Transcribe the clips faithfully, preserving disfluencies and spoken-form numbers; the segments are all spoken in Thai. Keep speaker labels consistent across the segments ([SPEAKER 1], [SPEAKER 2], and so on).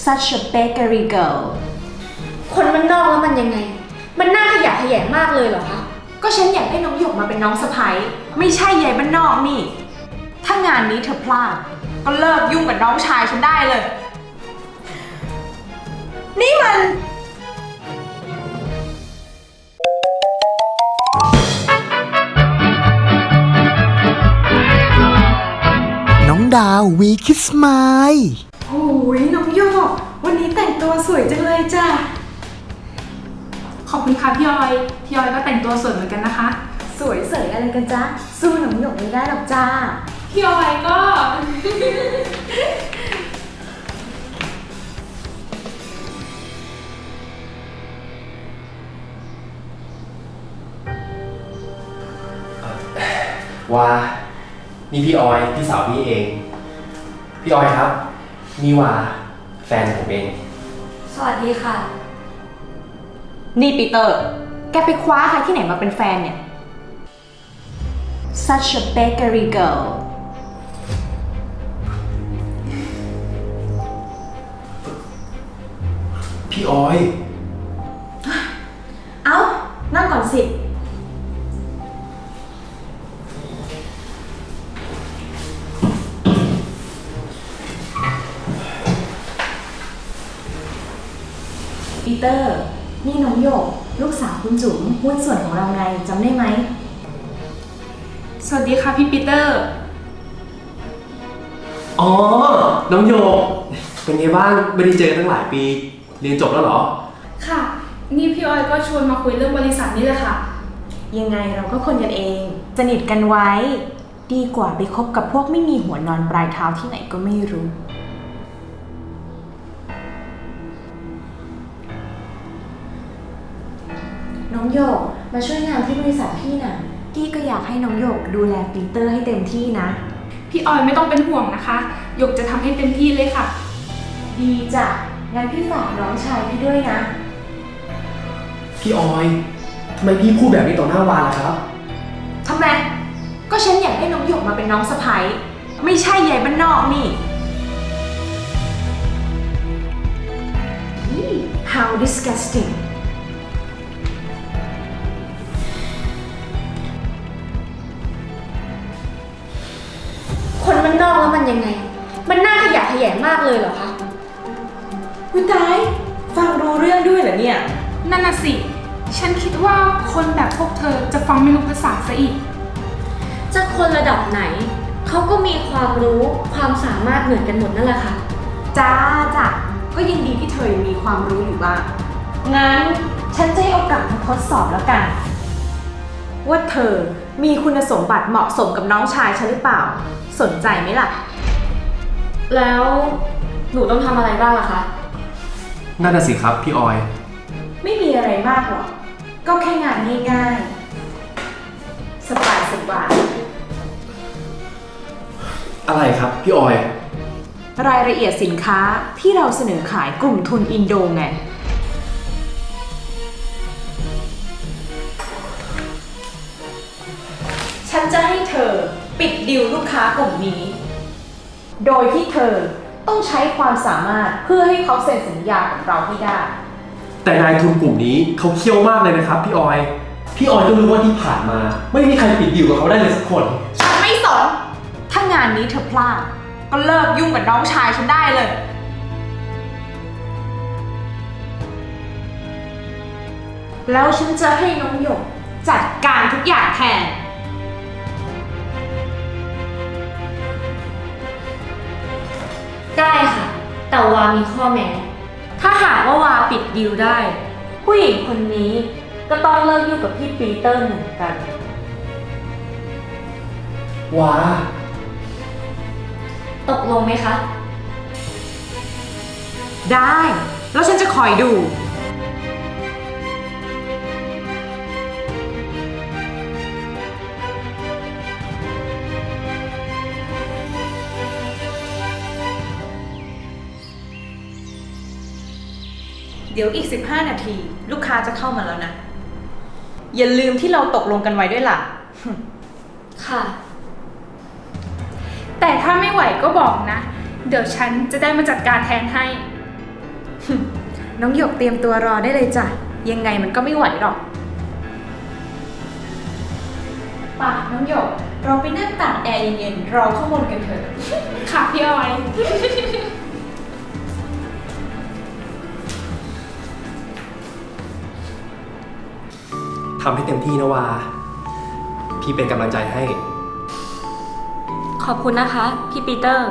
[SPEAKER 1] such a bakery girl
[SPEAKER 2] คนมันนอกแล้วมันยังไงมันน่าขยะแขยงมากเลยเหรอคะ
[SPEAKER 1] ก็ฉันอยากให้น้องหยกมาเป็นน้องสะใภ้ไม่ใช่ยายบ้านนอกนี่ถ้างานนี้เธอพลาดก็เลิกยุ่งกับน้องชายฉันได้เลยนี่มัน
[SPEAKER 3] น้องดาววีคิสไมล์
[SPEAKER 1] โอ้ยน้องโยกวันนี้แต่งตัวสวยจังเลยจ้ะ
[SPEAKER 4] ขอบคุณค่ะพี่ออยพี่ออยก็แต่งตัวสวยเหมือนกันนะคะ
[SPEAKER 1] สวยเสยอะไรกันจ๊ะสู้น้องหยกไม่ได้หรอกจ้า
[SPEAKER 4] พี่ออยก็
[SPEAKER 5] ว่านี่พี่ออยพี่สาวพี่เองพี่ออยครับนี่ว่าแฟนผมเอง
[SPEAKER 2] สวัสดีค่ะ
[SPEAKER 1] นี่ปีเตอร์แกไปคว้าใครที่ไหนมาเป็นแฟนเนี่ย such a bakery girl
[SPEAKER 5] พี่ออย
[SPEAKER 1] เอ้านั่งก่อนสิปีเตอร์นี่น้องหยกลูกสาวคุณจุ๋มหุ้นส่วนของเราไงจำได้ไหม
[SPEAKER 4] สวัสดีค่ะพี่ปีเตอร์
[SPEAKER 5] อ๋อน้องโยกเป็นไงบ้างไม่ได้เจอตั้งหลายปีเรียนจบแล้วเหรอ
[SPEAKER 4] ค่ะนี่พี่ออยก็ชวนมาคุยเรื่องบริษัทนี่แหละค่ะ
[SPEAKER 1] ยังไงเราก็คนกันเองสนิทกันไว้ดีกว่าไปคบกับพวกไม่มีหัวนอนปลายเท้าที่ไหนก็ไม่รู้น้องโยกมาช่วยงานที่บริษัทพี่น่ะกี้ก็อยากให้น้องโยกดูแลปีเตอร์ให้เต็มที่นะ
[SPEAKER 4] พี่ออยไม่ต้องเป็นห่วงนะคะหยกจะทำให้เต็มที่เลยค่ะ
[SPEAKER 1] ดีจ้ะงั้นพี่ฝากน้องชายพี่ด้วยนะ
[SPEAKER 5] พี่ออยทำไมพี่พูดแบบนี้ต่อหน้าวาล่ะครับ
[SPEAKER 1] ทำไมก็ฉันอยากให้น้องหยกมาเป็นน้องสะใภ้ไม่ใช่ยายบ้านนอกนี่ how disgusting
[SPEAKER 2] คนมันนอกแล้วมันยังไงมันน่าขยะแขยงมากเลยเหรอคะ
[SPEAKER 1] อุ๊ยตายฟังรู้เรื่องด้วยเหรอเนี่ย
[SPEAKER 4] นั่นน่ะสิฉันคิดว่าคนแบบพวกเธอจะฟังไม่รู้ภาษาซะอีก
[SPEAKER 2] จะคนระดับไหนเขาก็มีความรู้ความสามารถเหมือนกันหมดนั่นแหละค่ะ
[SPEAKER 1] จ้าจ้ะก็ยินดีที่เธอยังมีความรู้อยู่บ้างงั้นฉันจะให้โอกาสมาทดสอบแล้วกันว่าเธอมีคุณสมบัติเหมาะสมกับน้องชายฉันหรือเปล่าสนใจไหมล่ะ
[SPEAKER 2] แล้วหนูต้องทำอะไรบ้างล่ะคะ
[SPEAKER 5] นั่นน่ะสิครับพี่ออย
[SPEAKER 1] ไม่มีอะไรมากหรอกก็แค่งานง่ายๆสบายสบาย
[SPEAKER 5] อะไรครับพี่ออย
[SPEAKER 1] รายละเอียดสินค้าที่เราเสนอขายกลุ่มทุนอินโดไงฉันจะให้เธอปิดดีลลูกค้ากลุ่มนี้โดยที่เธอต้องใช้ความสามารถเพื่อให้เขาเซ็นสัญญากับเราให้ได้
[SPEAKER 5] แต่นายทุนกลุ่มนี้เขาเขี้ยวมากเลยนะครับพี่ออยพี่ออยต้องรู้ว่าที่ผ่านมาไม่มีใครปิดดีลกับเขาได้เลยสักคน
[SPEAKER 1] ฉันไม่สนถ้างานนี้เธอพลาดก็เลิกยุ่งกับน้องชายฉันได้เลยแล้วฉันจะให้น้องหยกจัดการทุกอย่างแทน
[SPEAKER 2] ได้ค่ะแต่วามีข้อแม้ถ้าหากว่าวาปิดดีลได้ผู้หญิงคนนี้ก็ต้องเลิกยุ่งกับพี่ปีเตอร์เหมือนกัน
[SPEAKER 5] วา
[SPEAKER 2] ตกลงไหมคะ
[SPEAKER 1] ได้แล้วฉันจะคอยดู เดี๋ยวอีกสิบห้านาทีลูกค้าจะเข้ามาแล้วนะอย่าลืมที่เราตกลงกันไว้ด้วยล่ะ
[SPEAKER 2] ค่ะ
[SPEAKER 4] แต่ถ้าไม่ไหวก็บอกนะเดี๋ยวฉันจะได้มาจัดการแทนให้
[SPEAKER 1] น้องหยกเตรียมตัวรอได้เลยจ้ะ ยังไงมันก็ไม่ไหวหรอกป่ะน้องหยก เราไปนั่งตากแอร์เย็นๆรอข้างบนกันเถอะ
[SPEAKER 4] ค่ะพี่ออย
[SPEAKER 5] ทำให้เต็มที่นะวา พี่เป็นกำลังใจให้
[SPEAKER 2] ขอบคุณนะคะ พี่ปีเตอร์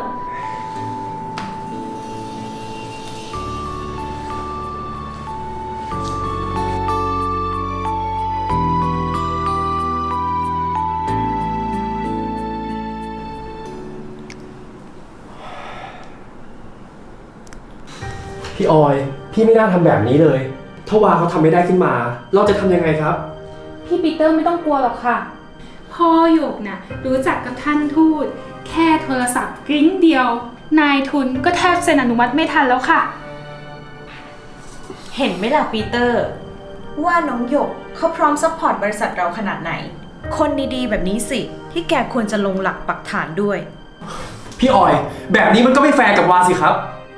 [SPEAKER 5] พี่ออย พี่ไม่น่าทำแบบนี้เลย ถ้าวาเขาทำไม่ได้ขึ้นมา เราจะทำยังไงครับ
[SPEAKER 4] พี่ปีเตอร์ไม่ต้องกลัวหรอกค่ะ พ่อหยกนะ่ะรู้จักกับท่านทูต แค่โทรศัพท์กริ้งเดียว นายทุนก็แทบเซ็นอนุมัติไม่ทันแล้วค่ะ
[SPEAKER 1] เห็นไหมล่ะปีเตอร์ ว่าน้องหยกเขาพร้อมซัพพอร์ตบริษัทเราขนาดไหน คนดีๆแบบนี้สิ ที่แกควรจะลงหลักปักฐานด้วย
[SPEAKER 5] พี่ออย แบบนี้มันก็ไม่แฟร์กับวาสิครับ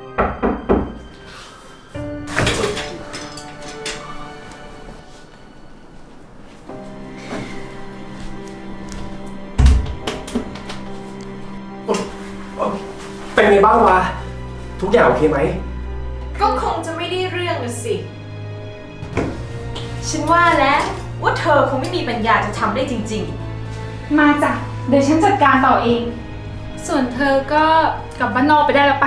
[SPEAKER 5] เป็นไงบ้างวะ ทุกอย่างโอเคไหม
[SPEAKER 1] ก็คงจะไม่ได้เรื่องนะสิ ฉันว่าแล้วว่าเธอคงไม่มีปัญญาจะทำได้จริง
[SPEAKER 4] มาจ้ะ เดี๋ยวฉันจัดการต่อเอง ส่วนเธอก็กลับบ้านนอกไปได้แล้วไป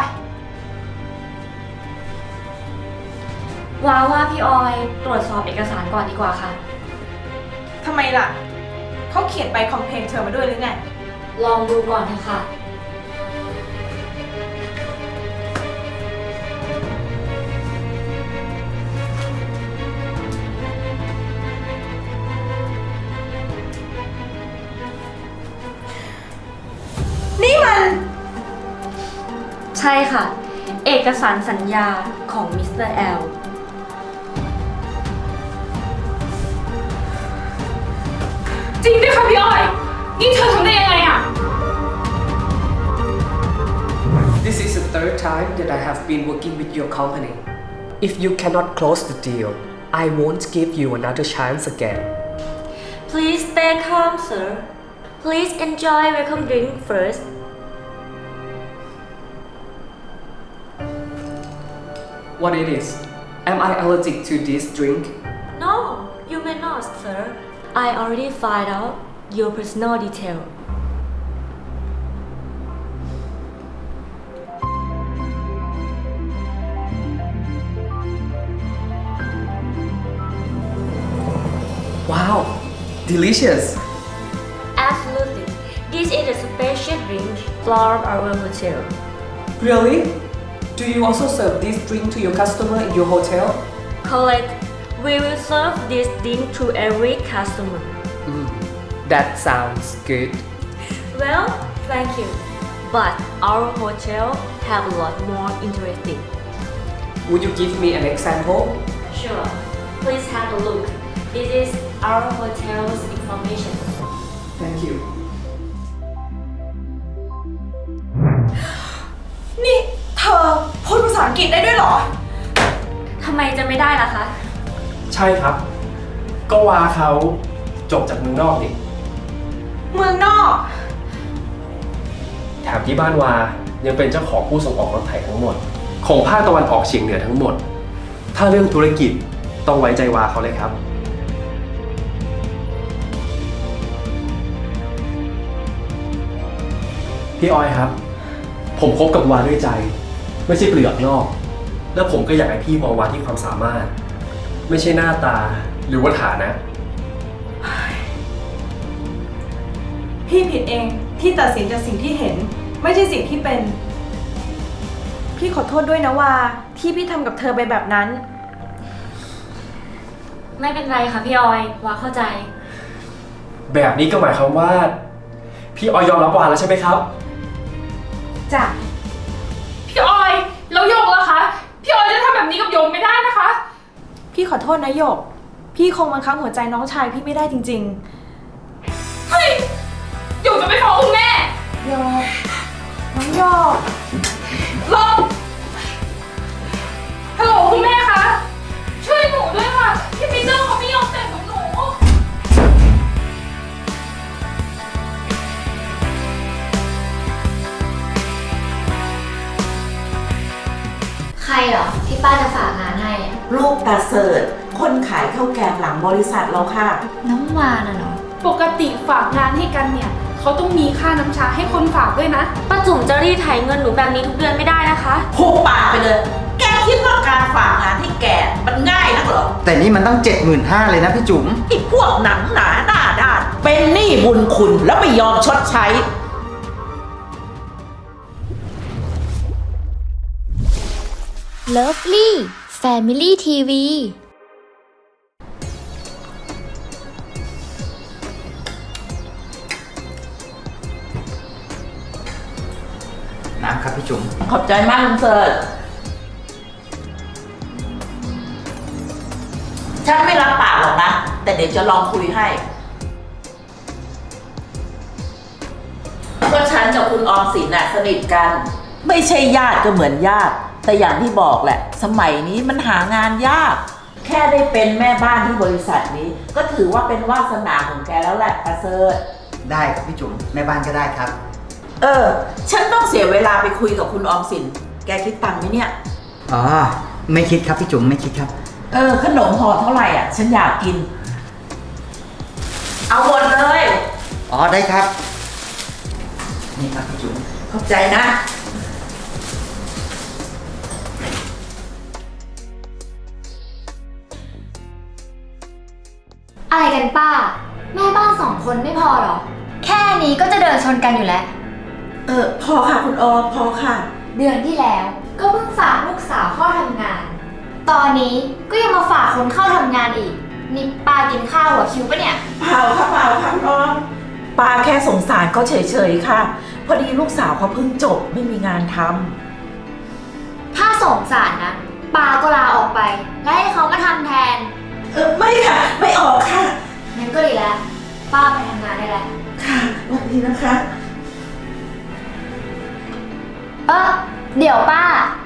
[SPEAKER 2] ว้าว่าพี่ออยตรวจสอบเอกสารก่อนดีกว่าค่ะ
[SPEAKER 1] ๆ ทำไมล่ะ เขาเขียนใบคอมเพลนเธอมาด้วยหรือไง
[SPEAKER 2] ลองดูก่อนเถอะค่ะ
[SPEAKER 1] นี่มัน
[SPEAKER 2] ใช่ค่ะ เอกสารสัญญาของมิสเตอร์แอล
[SPEAKER 4] จริงด้วยค่ะพี่ออย นี่เธอทำได้ยังไงอะ
[SPEAKER 6] This is the third time that I have been working with your company. If you cannot close the deal, I won't give you another chance again.
[SPEAKER 2] Please stay calm sir Please enjoy welcome drink first
[SPEAKER 6] What it is? Am I allergic to this drink?
[SPEAKER 2] No you may not sir I already find out your personal detail
[SPEAKER 6] Wow, delicious!
[SPEAKER 2] Absolutely This is a special drink from our hotel
[SPEAKER 6] Really? Do you also serve this drink to your customer in your hotel?
[SPEAKER 2] Correct We will serve this drink to every customer
[SPEAKER 6] Mm, that sounds good.
[SPEAKER 2] Well, thank you. But our hotel have a lot more interesting.
[SPEAKER 6] Would you give me an example?
[SPEAKER 2] Sure. Please have a look. This is our hotel's information.
[SPEAKER 6] Thank you.
[SPEAKER 1] นี่เธอพูดภาษาอังกฤษได้ด้วยเหรอ
[SPEAKER 2] ทำไมจะไม่ได้ล่ะคะ
[SPEAKER 5] ใช่ครับ ก็วาเขาจบจากเมืองนอกนี่
[SPEAKER 1] เมืองนอก
[SPEAKER 5] แถมที่บ้านวายังเป็นเจ้าของผู้ส่งออกรถไถทั้งหมด ของภาคตะวันออกเฉียงเหนือทั้งหมด ถ้าเรื่องธุรกิจต้องไว้ใจวาเขาเลยครับ พี่ออยครับ ผมคบกับวาด้วยใจ ไม่ใช่เปลือกนอก แล้วผมก็อยากให้พี่มองวาที่ความสามารถ ไม่ใช่หน้าตาหรือว่าฐานะ
[SPEAKER 1] พี่ผิดเองที่ตัดสินจากสิ่งที่เห็น ไม่ใช่สิ่งที่เป็น พี่ขอโทษด้วยนะว่าที่พี่ทำกับเธอไปแบบนั้น
[SPEAKER 2] ไม่เป็นไรค่ะพี่ออยว่าเข้าใจ
[SPEAKER 5] แบบนี้ก็หมายความว่า พี่ออยยอมรับวาแล้วใช่ไหมครับ
[SPEAKER 1] จ้ะ
[SPEAKER 4] พี่ออยแล้วโยกล่ะคะ พี่ออยจะทำแบบนี้กับโยมไม่ได้นะคะ
[SPEAKER 1] พี่ขอโทษนะหยก พี่คงบังคับหัวใจน้องชายพี่ไม่ได้จริง
[SPEAKER 4] เฮ้ยโยกจะไปฟ้องคุณแม่
[SPEAKER 1] ๆหยกน้องหยก
[SPEAKER 4] ลงฮัลโหล
[SPEAKER 7] รเหรอที่ป้าจะฝากงานให้อะ
[SPEAKER 8] ลูกตาเสิร์ชคนขายข้าวแกงหลังบริษัทเราค่ะ
[SPEAKER 7] น้องวาน่ะเหรอ
[SPEAKER 4] ปกติฝากงานให้กันเนี่ยเขาต้องมีค่าน้ำชาให้คนฝากด้วยนะ
[SPEAKER 2] ป้าจุ๋มจะรีดไถเงินหนูแบบนี้ทุกเดือนไม่ได้นะคะ
[SPEAKER 8] พูดปากไปเลย แกคิดว่าการฝากงานให้แกมันง่ายนักเหรอ
[SPEAKER 9] แต่นี่มันตั้งเจ็ดหมื่นห้าเลยนะพี่จุ๋ม
[SPEAKER 8] ไอ้พวกหนังหนาหน้าด้านเป็นหนี้บุญคุณแล้วไม่ยอมชดใช้
[SPEAKER 7] Lovely Family ที วี
[SPEAKER 9] น้ำครับพี่จุ๋ม
[SPEAKER 8] ขอบใจมากลุงเสิร์ชฉันไม่รับปากหรอกนะ แต่เดี๋ยวจะลองคุยให้ก็ฉันกับคุณออมสินน่ะสนิทกัน ไม่ใช่ญาติก็เหมือนญาติ แต่อย่างที่บอกแหละ สมัยนี้มันหางานยาก แค่ได้เป็นแม่บ้านที่บริษัทนี้ ก็ถือว่าเป็นวาสนาของแกแล้วแหละประเสริฐ
[SPEAKER 9] ได้ครับพี่จุ๋มแม่บ้านก็ได้ครับ
[SPEAKER 8] เออ ฉันต้องเสียเวลาไปคุยกับคุณออมสิน แกคิดตังค์ไหมเนี่ย
[SPEAKER 9] อ๋อ ไม่คิดครับพี่จุ๋มไม่คิดครับ
[SPEAKER 8] เออ ขนมห่อเท่าไหร่อ่ะ ฉันอยากกิน เอาหมดเลย
[SPEAKER 9] อ๋อได้ครับ นี่ครับพี่จุ๋ม
[SPEAKER 8] ขอบใจนะ
[SPEAKER 7] อะไรกันป้า แม่บ้านสองคนไม่พอหรอ แค่นี้ก็จะเดินชนกันอยู่แล้ว
[SPEAKER 8] เออ พอค่ะคุณออม พอค่ะ
[SPEAKER 7] เดือนที่แล้วก็เพิ่งฝากลูกสาวเข้าทำงาน ตอนนี้ก็ยังมาฝากคนเข้าทำงานอีก นี่ป้ากินข้าวหัวคิวปะเนี่ย
[SPEAKER 8] เปล่าค่ะเปล่าค่ะคุณออมป้าแค่สงสารเขาเฉยๆค่ะ พอดีลูกสาวเขาเพิ่งจบไม่มีงานท
[SPEAKER 7] ถ้าสงสารนะป้าก็ลาออกไป และให้เขามาทำแทน
[SPEAKER 8] ำเออ ไม่ค่ะ ไม่ออกค่ะ
[SPEAKER 7] งั้นก็ดีแล้ว ป้าไปทำงานได้แล้ว
[SPEAKER 8] ค่ะวันนี้นะคะ
[SPEAKER 7] เออเดี๋ยวป้า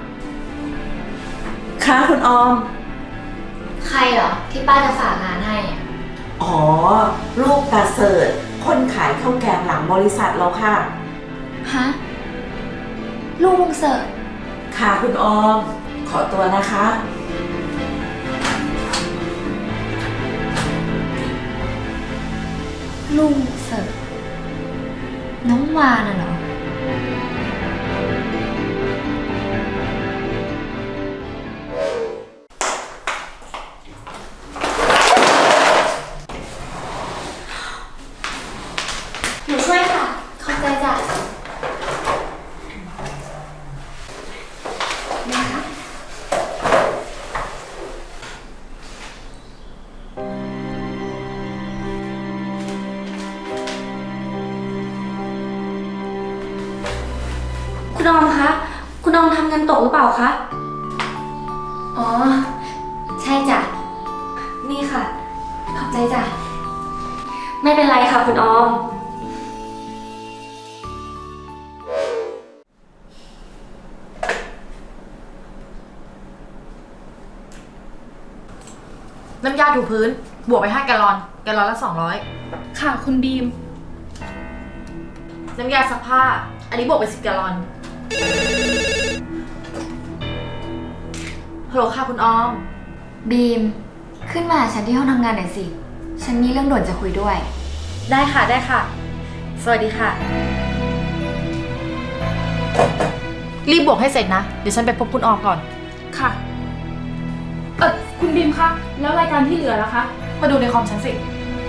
[SPEAKER 8] ค่ะคุณออม
[SPEAKER 7] ใครเหรอที่ป้าจะฝากงานให้อะ
[SPEAKER 8] อ๋อ ลูกตาเสิร์ชคนขายข้าวแกงหลังบริษัทเราค่ะ
[SPEAKER 7] ฮะ ลูกลุงเสิร์ช
[SPEAKER 8] ค่ะคุณออม ขอตัวนะคะ
[SPEAKER 7] ลุงเสิร์ชน้องวาน่ะเหรอ หนูช่วยค่ะ ขอบใจจ้ะนะคะ
[SPEAKER 2] คุณออมคะ คุณออมทำเงินตกหรือเปล่าคะ
[SPEAKER 7] อ๋อ ใช่จ้ะ
[SPEAKER 2] นี่ค่ะ
[SPEAKER 7] ขอบใจจ้ะ
[SPEAKER 2] ไม่เป็นไรค่ะคุณออม
[SPEAKER 1] น้ำยาถูพื้น บวกไปห้าแกลลอน แกลลอนละสองร้อย
[SPEAKER 4] ค่ะคุณบีม
[SPEAKER 1] น้ำยาซักผ้า อันนี้บวกไปสิบแกลลอน ฮัลโหลค่ะคุณออม
[SPEAKER 7] บีม ขึ้นมาหาฉันที่ห้องทำงานหน่อยสิ ฉันมีเรื่องด่วนจะคุยด้วย
[SPEAKER 1] ได้ค่ะได้ค่ะ สวัสดีค่ะ รีบบวกให้เสร็จนะ เดี๋ยวฉันไปพบคุณออมก่อน
[SPEAKER 4] ค่ะ เออคุณบีมคะ แล้วรายการที่เหลือล่ะคะ
[SPEAKER 1] มาดูในคอมฉันสิ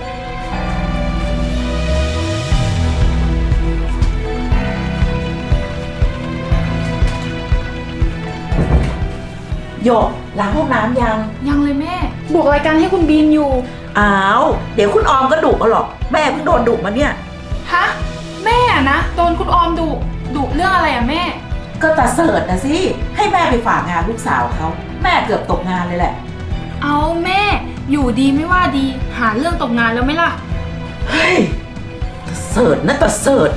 [SPEAKER 8] โยกล้างห้องน้ำยัง
[SPEAKER 4] ยังเลยแม่ บวกรายการให้คุณบีมอยู่
[SPEAKER 8] อ้าว เดี๋ยวคุณออมก็ดุเอาหรอก แม่เพิ่งโดนดุมาเนี่ย
[SPEAKER 4] ฮะ แม่อะนะ โดนคุณออมดุ ดุเรื่องอะไรอะแม่
[SPEAKER 8] ก็ตาเสิร์ชนะสิ ให้แม่ไปฝากงานลูกสาวเขา แม่เกือบตกงานเลยแหละ
[SPEAKER 4] เอาแม่ อยู่ดีไม่ว่าดี หาเรื่องตกงานแล้วไหมล่ะ
[SPEAKER 8] เฮ้ยตาเสิร์ชนะตาเสิร์ช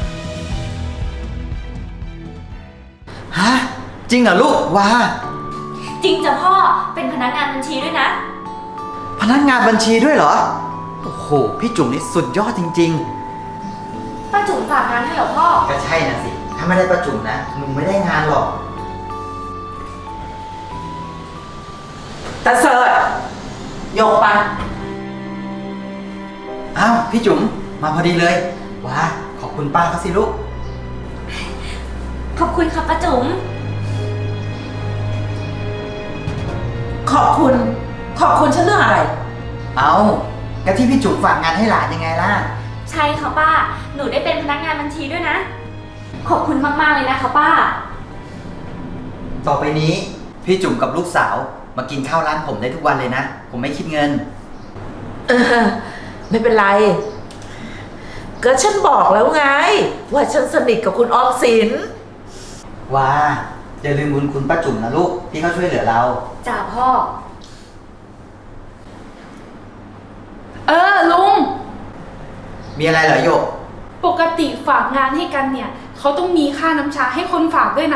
[SPEAKER 9] ฮะ จริงเหรอลูกว้า
[SPEAKER 2] จริงจ้ะพ่อ เป็นพนักงานบัญชีด้วยนะ
[SPEAKER 9] พนักงานบัญชีด้วยเหรอ โอ้โห พี่จุ๋มนี่สุดยอดจริง
[SPEAKER 2] ป้าจุ๋มฝากงานให้เหรอพ่อ
[SPEAKER 9] ๆ ก็ใช่นะสิ ถ้าไม่ได้ประจุ๋มนะหนูไม่ได้งานหรอก
[SPEAKER 8] ตาเสิร์ชยกไป
[SPEAKER 9] อ้าวพี่จุ๋มมาพอดีเลย ว้าขอบคุณป้าเขาสิลูก
[SPEAKER 2] ขอบคุณค่ะป้าจุ๋ม
[SPEAKER 8] ขอบคุณ ขอบคุณฉันเรื่องอะไร
[SPEAKER 9] เอาก็ที่พี่จุ๋มฝากงานให้หลานยังไงล่ะ
[SPEAKER 2] ใช่ค่ะป้า หนูได้เป็นพนักงานบัญชีด้วยนะ ขอบคุณมากๆเลยนะคะป้า
[SPEAKER 9] ต่อไปนี้พี่จุ๋มกับลูกสาวมากินข้าวร้านผมได้ทุกวันเลยนะ ผมไม่คิดเงิน
[SPEAKER 8] เออ ไม่เป็นไร ก็ฉันบอกแล้วไง ว่าฉันสนิทกับคุณออมสิน
[SPEAKER 9] ว้าอย่าลืมบุญคุณป้าจุ๋มนะลูกที่เขาช่วยเหลือเรา
[SPEAKER 2] จ่าพ่อ
[SPEAKER 4] เออลุง
[SPEAKER 9] มีอะไรเหรอโยก
[SPEAKER 4] ปกติฝากงานให้กันเนี่ย เขาต้องมีค่าน้ำชาให้คนฝากด้วยนะ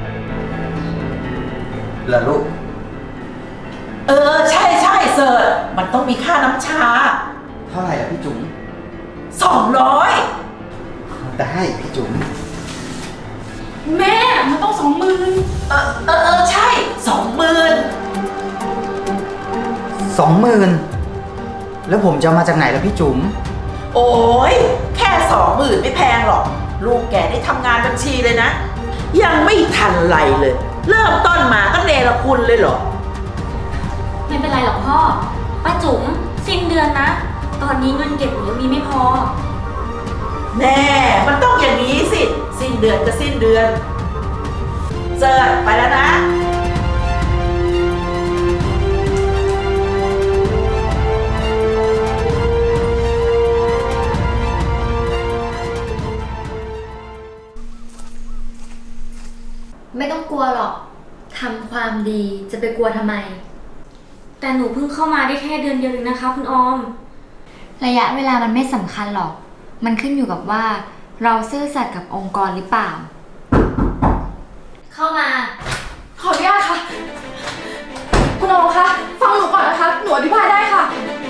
[SPEAKER 9] เหรอลูก
[SPEAKER 8] เออ ใช่ใช่เสิร์ชมันต้องมีค่าน้ำชา
[SPEAKER 9] เท่าไหร่ล่ะพี่จุ๋ม
[SPEAKER 8] สองร้อย
[SPEAKER 9] ได้พี่จุ๋ม
[SPEAKER 4] แม่มันต้องสองหมื่น
[SPEAKER 8] เออเออเออใช่สองหมื่น
[SPEAKER 9] สองหมื่นแล้วผมจะเอามาจากไหนล่ะพี่จุ๋ม
[SPEAKER 8] โอ้ยแค่สองหมื่นไม่แพงหรอก ลูกแกได้ทำงานบัญชีเลยนะ ยังไม่ทันไรเลย เริ่มต้นมาก็เนรคุณเลยเหรอ
[SPEAKER 2] ไม่เป็นไรหรอกพ่อ ป้าจุ๋มสิ้นเดือนนะ ตอนนี้เงินเก็บหนูยังมีไม่พอ
[SPEAKER 8] แน่ มันต้องอย่างนี้สิ สิ้นเดือนก็สิ้นเดือน เสิร์ชไปแล้วนะ
[SPEAKER 7] ไม่ต้องกลัวหรอกทำความดีจะไปกลัวทำไม
[SPEAKER 2] แต่หนูเพิ่งเข้ามาได้แค่เดือนเดียวเองนะคะคุณออม
[SPEAKER 7] ระยะเวลามันไม่สำคัญหรอก มันขึ้นอยู่กับว่าเราซื่อสัตย์กับองค์กรหรือเปล่า เข้ามา
[SPEAKER 4] ขออนุญาตค่ะ คุณโอคะ ฟังหนูก่อนนะคะ หนูอธิบายได้ค่ะ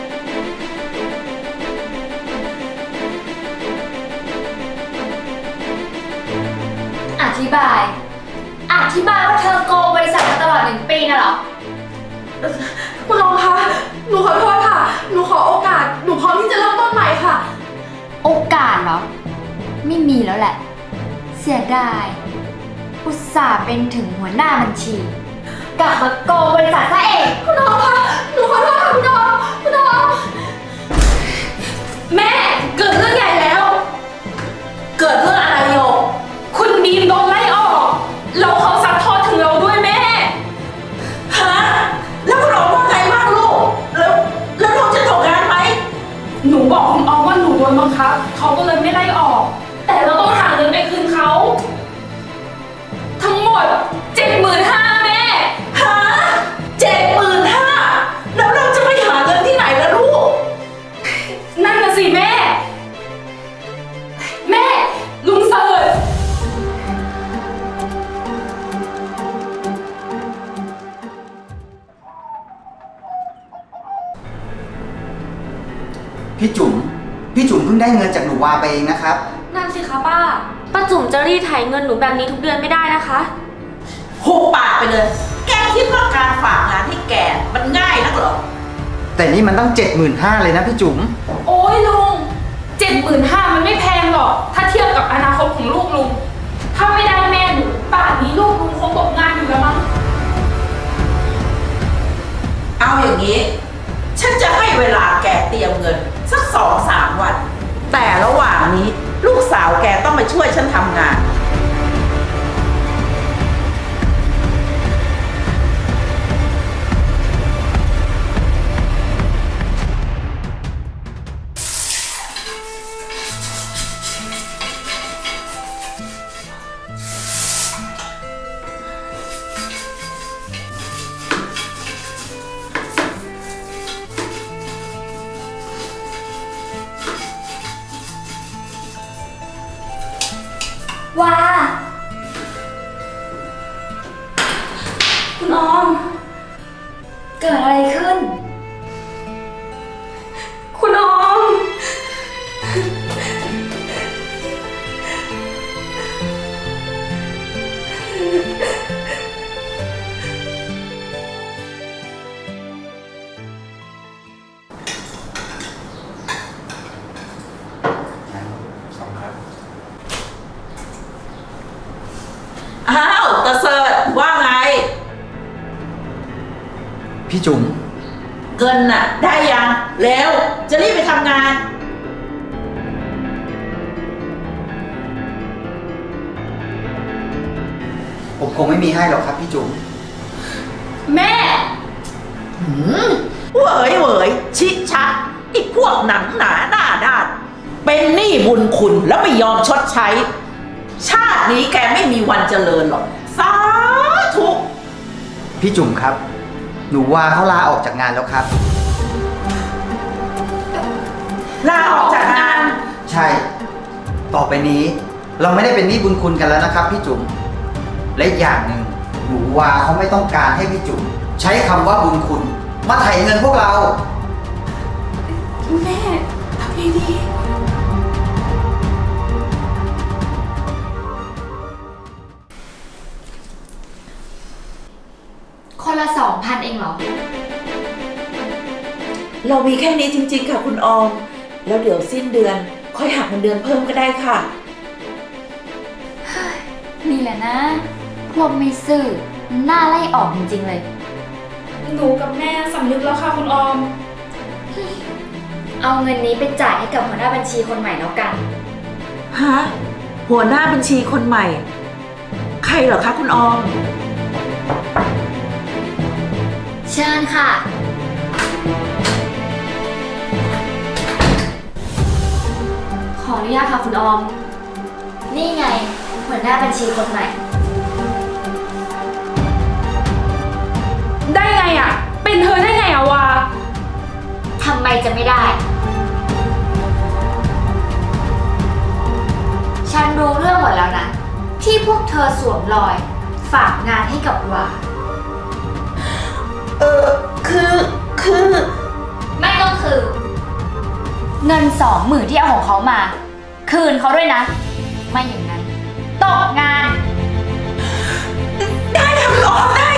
[SPEAKER 7] อธิบาย อธิบายว่าเธอโกงบริษัทมาตลอดหนึ่งปีน่ะเหรอ
[SPEAKER 4] คุณโอคะ หนูขอโทษค่ะ หนูขอโอกาส หนูพร้อมที่จะเริ่มต้นใหม่ค่ะ
[SPEAKER 7] โอกาสเหรอ ไม่มีแล้วแหละ เสียดาย อุตส่าห์เป็นถึงหัวหน้าบัญชี กลับมาโกงบริษัทซะเอง
[SPEAKER 4] คุณโอคะ หนูขอโทษค่ะคุณโอคุณโอแม่เกิดเรื่องใหญ่แล้ว
[SPEAKER 8] เกิดเรื่องอะไรโยก
[SPEAKER 4] คุณบีมโดนไล่ออกแล้วเขาซัดทอดถึงเราด้วยแม่
[SPEAKER 8] ฮะ แล้วคุณออกว่าไงบ้างลูก แล้ว แล้วลูกจะตกงานไหม
[SPEAKER 4] หนูบอกคุณออมว่าหนูโดนบังคับเขาก็เลยไม่ไล่ออก แต่เราต้องหาเงินไปคืนเขา ทั้งหมดเจ็ดหมื่นห้าแม่
[SPEAKER 8] ฮะเจ็ดหมื่นห้าแล้วเราจะไปหาเงินที่ไหนล่ะลูก
[SPEAKER 4] นั่นน่ะสิแม่ แม่ ลุงเสิร์ช
[SPEAKER 9] พี่จุ๋มพี่จุ๋มเพิ่งได้เงินจากหนูวาไปเองนะครับ
[SPEAKER 2] นั่นสิคะป้า ป้าจุ๋มจะรีดไถเงินหนูแบบนี้ทุกเดือนไม่ได้นะคะ
[SPEAKER 8] หุบปากไปเลย แกคิดว่าการฝากงานให้แกมันง่ายนักเหรอ
[SPEAKER 9] แต่นี่มันต้องเจ็ดหมื่นห้าเลยนะพี่จุ๋ม
[SPEAKER 4] โอ้ยลุงเจ็ดหมื่นห้ามันไม่แพงหรอก ถ้าเทียบกับอนาคตของลูกลุง ถ้าไม่ได้แม่หนูป่านนี้ลูกลุงคงตกงานอยู่แล้วมั้ง
[SPEAKER 8] เอาอย่างนี้ ฉันจะให้เวลาแกเตรียมเงิน สักสองสามวัน แต่ระหว่างนี้ลูกสาวแกต้องมาช่วยฉันทำงาน
[SPEAKER 7] ว่า
[SPEAKER 2] คุณออม
[SPEAKER 7] เกิดอะไรขึ้น
[SPEAKER 2] คุณออม
[SPEAKER 9] พี่จุ๋ม
[SPEAKER 8] เงินน่ะ ได้ยังแล้วจะรีบไปทำงาน
[SPEAKER 9] ผมคงไม่มีให้หรอกครับพี่จุ๋ม
[SPEAKER 4] แม่
[SPEAKER 8] หืมเหวยเหวยชิชักไอ้พวกหนังหนาหน้าด้าน เป็นหนี้บุญคุณแล้วไม่ยอมชดใช้ ชาตินี้แกไม่มีวันเจริญหรอก สาธุ
[SPEAKER 9] พี่จุ๋มครับ หนูวาเขาลาออกจากงานแล้วครับ
[SPEAKER 8] ลาออกจากงาน
[SPEAKER 9] ใช่ ต่อไปนี้เราไม่ได้เป็นหนี้บุญคุณกันแล้วนะครับพี่จุ๋ม และอีกอย่างหนึ่งหนูวาเขาไม่ต้องการให้พี่จุ๋มใช้คำว่าบุญคุณ มาไถ่เงินพวกเรา
[SPEAKER 4] แม่ทำไงดี
[SPEAKER 7] คนละสองพันเองเหรอ
[SPEAKER 8] เรามีแค่นี้จริงๆค่ะคุณออม แล้วเดี๋ยวสิ้นเดือนค่อยหักเงินเดือนเพิ่มก็ได้ค่ะ
[SPEAKER 7] นี่แหละนะ พวกไม่ซื่อหน้าไล่ออกจริงๆเลย
[SPEAKER 4] หนูกับแม่สำนึกแล้วค่ะคุณออม
[SPEAKER 7] เอาเงินนี้ไปจ่ายให้กับหัวหน้าบัญชีคนใหม่แล้วกัน
[SPEAKER 8] ฮะ หัวหน้าบัญชีคนใหม่ ใครเหรอคะคุณออม
[SPEAKER 7] เชิญค่ะ
[SPEAKER 2] ขออนุญาตค่ะคุณออม
[SPEAKER 7] นี่ไง หัวหน้าบัญชีคนใหม่
[SPEAKER 4] ได้ไงอะเป็นเธอได้ไงอะวา
[SPEAKER 7] ทำไมจะไม่ได้ ฉันรู้เรื่องหมดแล้วนะ ที่พวกเธอสวมรอย ฝากงานให้กับวา
[SPEAKER 8] เออ คือ คือ
[SPEAKER 7] ไม่ต้องคือ เงินสองหมื่นที่เอาของเขามา คืนเขาด้วยนะ ไม่อย่างนั้นตกงาน
[SPEAKER 8] ได้ค่ะคุณออมได้